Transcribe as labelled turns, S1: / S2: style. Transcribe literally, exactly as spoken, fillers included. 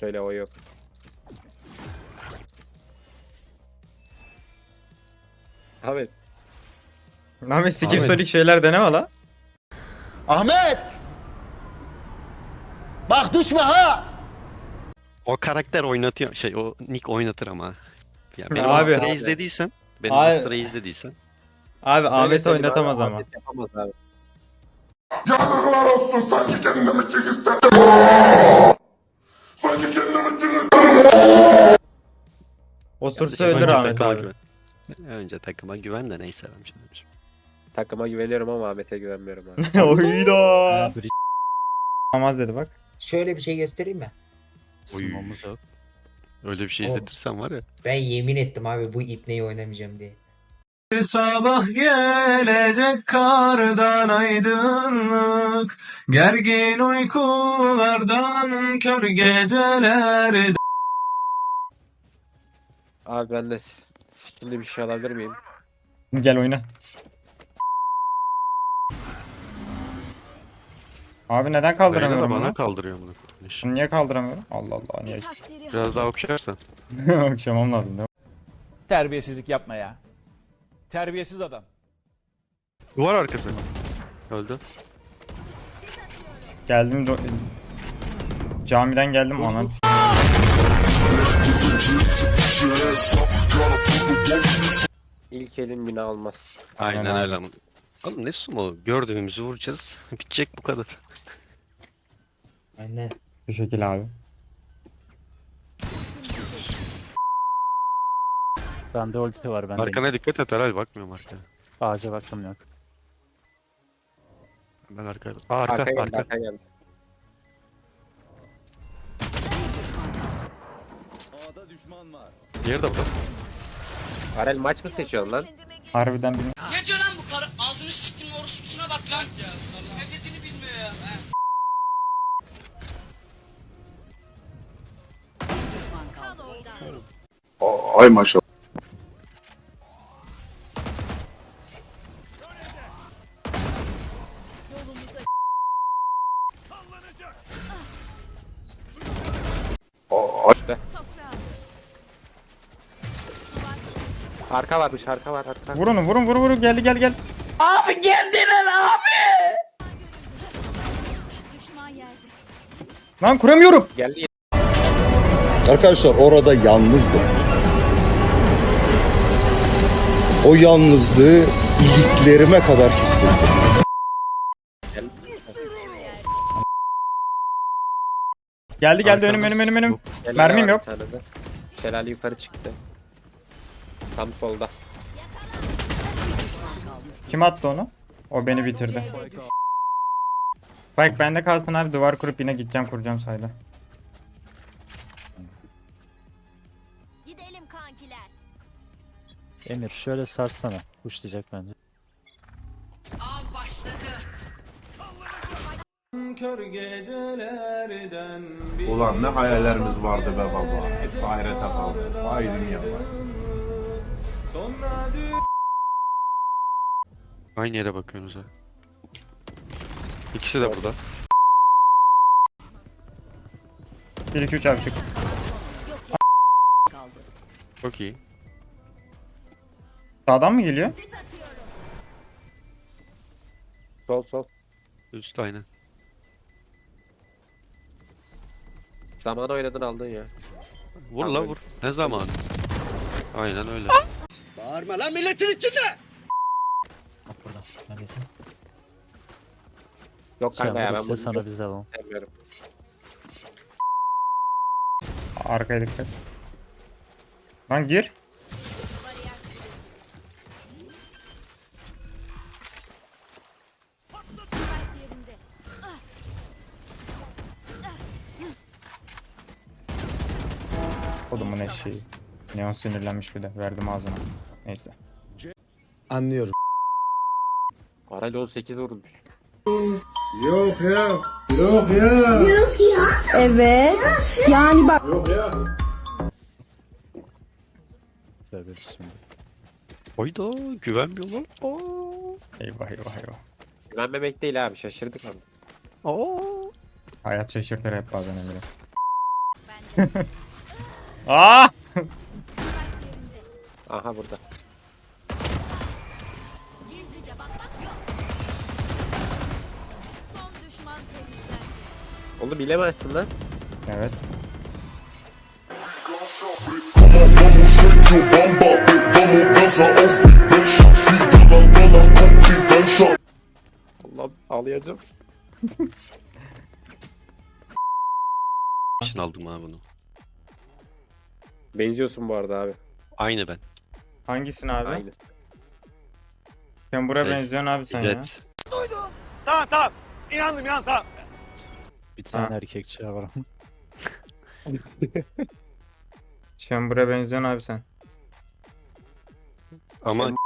S1: söyle o yok. Ahmet.
S2: Ahmet sikim
S3: Ahmet.
S2: solik şeyler deneme la.
S4: Ahmet! Bak düşme ha!
S3: O karakter oynatıyor. Şey o Nick oynatır ama. Ya beni
S2: Abi.
S3: Master'ı
S1: Abi.
S3: izlediysen. Beni
S2: Abi.
S3: Master'ı izlediysen.
S2: Abi
S1: Öyle
S2: Ahmet
S1: söyleyeyim
S2: oynatamaz
S1: abi,
S2: ama.
S1: Ahmet yapamaz abi.
S5: Yazıklar olsun sanki kendimi çık istedim. Sanki kendimi çık istedim.
S2: Osursa
S3: Kardeşim,
S2: ölür
S3: önce
S2: Ahmet
S3: takıma
S2: abi.
S3: güven. Önce takıma güven de neyse ben şimdi.
S1: Takıma güveniyorum ama Ahmet'e güvenmiyorum abi.
S2: Oyda. Olmaz dedi bak.
S4: Şöyle bir şey göstereyim mi?
S3: Oy. Öyle bir şey
S4: Oğlum.
S3: izletirsen var ya.
S4: Ben yemin ettim abi bu ipneyi oynamayacağım diye.
S6: Sabah gelecek kardan aydınlık, gergin uykulardan kör geceler.
S1: Abi ben de s- skinli bir şey alabilir miyim?
S2: Gel oyna. Abi neden
S3: Reyna da
S2: kaldıramıyorum
S3: bana
S2: bunu?
S3: kaldırıyor bunu. kurtuluş.
S2: Bunu niye kaldıramıyorum? Allah Allah niye?
S3: Biraz daha okşarsan.
S2: Akşamam lazım değil mi?
S7: Terbiyesizlik yapma ya. Terbiyesiz adam.
S3: Duvar arkası. Öldü.
S2: Geldim do- camiden geldim anan.
S1: İlk elin bina almaz.
S3: Aynen
S2: Aynen
S3: öyle. Oğlum ne sumo? Gördüğümüzü vuracağız. Bitecek bu kadar.
S4: Aynen.
S2: Bu şekil abi.
S8: Bende ulti var bende.
S3: Arkana dikkat et herhalde bakmıyorum arkaya.
S8: Ağaca baktım yok.
S3: Ben arkaya. Aa arka
S1: Arka
S3: arka.
S1: geldi, arka geldi.
S3: Diğeri de burada.
S1: Arel maç mı seçiyorsun lan?
S2: Harbiden bilmiyorum.
S9: Ne diyor lan bu karı? Ağzını siktim orospusuna bak lan. Ya sallam. Ne dediğini bilmiyor ya.
S5: Ay maşallah.
S1: Arka varmış, arka var, arka.
S2: Vurun vurun vurun vurun geldi gel gel. Lan kuramıyorum.
S1: Geldi.
S10: Arkadaşlar orada yalnızdım. O yalnızlığı iliklerime kadar hissettim.
S1: Geldi.
S2: Geldi geldi
S3: Arkamda
S2: önüm önüm önüm önüm.
S1: Şelale
S2: Mermim
S1: var
S2: yok.
S1: bir tane de. Şelale yukarı çıktı. Tam solda.
S2: Kim attı onu? O beni bitirdi. Bak bende kalsın abi duvar kurup yine gideceğim kuracağım sayda.
S9: Gidelim kankiler.
S8: Emir şöyle sarsana. Uçlayacak bence.
S9: Av başladı.
S6: Kör gecelerden
S5: Ulan ne hayallerimiz vardı be baba. Hepsi ahirete kaldı. Vay dünya vay.
S6: sonra
S3: Aynı yere bakıyorsunuz ha. İkisi de burada.
S2: bir iki üç abi çık.
S3: Çok iyi.
S2: Sağdan mı geliyor?
S1: Sol sol.
S3: Üst aynen.
S1: Zaman oynadın aldın ya.
S3: Vur la vur. Ne zaman? Aynen öyle.
S4: Bağırma lan milletin içinde!
S8: Bak burada. Neredesin?
S1: Yok
S8: Sen
S1: kanka ya ben
S8: burası
S1: bunu
S8: sana biz alalım.
S1: sevmiyorum.
S2: Arkaya dikkat. Lan gir. Kodumun eşeği. Neon sinirlenmiş bir de. Verdim ağzına. Neyse.
S10: Anlıyorum.
S1: Arel on sekiz vurmuş.
S11: Evet. Yani bak.
S8: Şöyle bismillah.
S3: Hayda güvenmiyorlar. Aa.
S2: Eyvah eyvah eyvah.
S1: Güvenmemek değil abi, şaşırdık abi.
S3: Aa.
S2: Hayat şaşırtır hep bazen Emre. Aa!
S1: Aha burada. Oğlum bile mi açtın lan?
S2: Evet.
S1: Allah ağlayacağım.
S3: için aldım abi bunu.
S1: Benziyorsun bu arada abi.
S3: Aynı ben.
S2: Hangisin abi?
S1: Aynısı.
S2: Sen buraya
S3: Evet.
S2: benziyorsun abi sen ya.
S3: Evet.
S8: Bir tane
S2: Ha.
S8: erkekçi var.
S2: Sen buraya benziyorsun abi sen.
S3: Ama